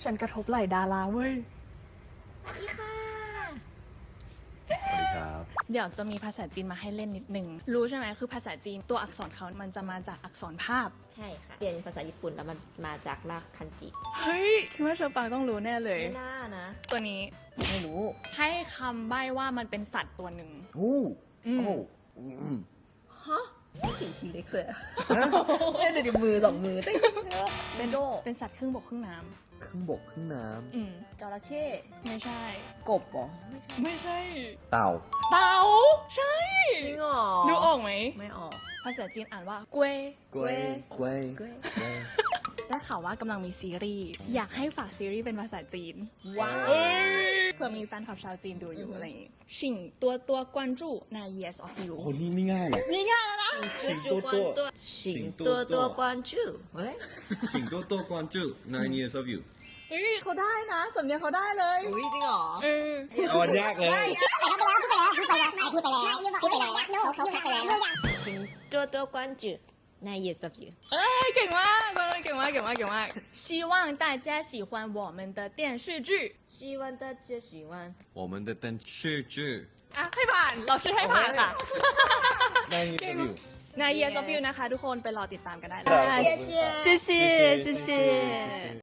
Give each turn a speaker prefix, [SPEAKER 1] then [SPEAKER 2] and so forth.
[SPEAKER 1] ฉันกระทบไหล่ดาราเว้ย
[SPEAKER 2] สวัสดีค่ะ
[SPEAKER 3] สวัสดีครับ
[SPEAKER 1] เดี๋ยวจะมีภาษาจีนมาให้เล่นนิดนึงรู้ใช่ไหมคือภาษาจีนตัวอักษรเขามันจะมาจากอักษรภาพ
[SPEAKER 2] ใช่ค่ะ เรียนภาษาญี่ปุ่นแล้วมันมาจากรากคันจิ
[SPEAKER 1] เฮ้ยคิดว่าเธอปังต้องรู้แน่เลย
[SPEAKER 2] ไม่น่านะ
[SPEAKER 1] ตัวนี้
[SPEAKER 2] ไม่รู้
[SPEAKER 1] ให้คำใบ้ว่ามันเป็นสัตว์ตัวหนึ่ง
[SPEAKER 3] โอ้
[SPEAKER 1] อืม
[SPEAKER 3] โอ้อืม
[SPEAKER 2] ฮะไม่ถึงทีเล็กเลยเดี๋ยวมือสองมือเต้นเป็นโด
[SPEAKER 1] เป็นสัตว์ครึ่งบกครึ่งน้
[SPEAKER 3] ครึ่งบกครึ่งน้
[SPEAKER 1] ำอืม
[SPEAKER 2] จระเข้
[SPEAKER 1] ไม่ใช่
[SPEAKER 2] กบเหรอไม่ใช่
[SPEAKER 1] ไม่ใช่
[SPEAKER 3] ำเต่า
[SPEAKER 1] เต่าใช่
[SPEAKER 2] จริงเหรอ
[SPEAKER 1] ดูออกไหม
[SPEAKER 2] ไม่ออก
[SPEAKER 1] ภาษาจีนอ่านว่าเกวย
[SPEAKER 3] กล้วยกล้วย
[SPEAKER 2] กล้วย
[SPEAKER 3] กล้วย
[SPEAKER 1] ได้ข่าวว่ากำลังมีซีรีส์อยากให้ฝากซีรีส์เป็นภาษาจีน
[SPEAKER 2] ว้าว
[SPEAKER 1] เผื่อมีแฟนคลับชาวจีนดูอยู่อะไรอย่างงี้ชิงตัวกวนจูใน Years of You
[SPEAKER 3] คนนี้ไม่ง่ายเลย
[SPEAKER 1] นี่ง่ายแล้วนะ
[SPEAKER 3] สิงโตโต
[SPEAKER 2] สิงตัวกวนจูเฮ้ย
[SPEAKER 4] 请多多关注 Nine Years of You。
[SPEAKER 1] เฮ้ยเขาได้นะสำเนียงเขาได้เลย
[SPEAKER 2] อุ้ยจริงเหรอ
[SPEAKER 1] เออ
[SPEAKER 3] เอาอันยากเลย
[SPEAKER 2] สิงตัวกวนจูใน Years of You
[SPEAKER 1] เอ้ยเก่งมากเก่งมากเก่งมากเก่งมาก希望大家喜欢我们的电视剧
[SPEAKER 2] 希望大家喜欢
[SPEAKER 4] 我们的电视剧
[SPEAKER 1] อ่ะให้ผ่านเราชื่อให้ผ่านค่ะ
[SPEAKER 3] Nine Years of You
[SPEAKER 1] ใน Years of You นะคะทุกคนไปรอติดตามกันได้เลย
[SPEAKER 2] 谢谢
[SPEAKER 1] 谢谢谢谢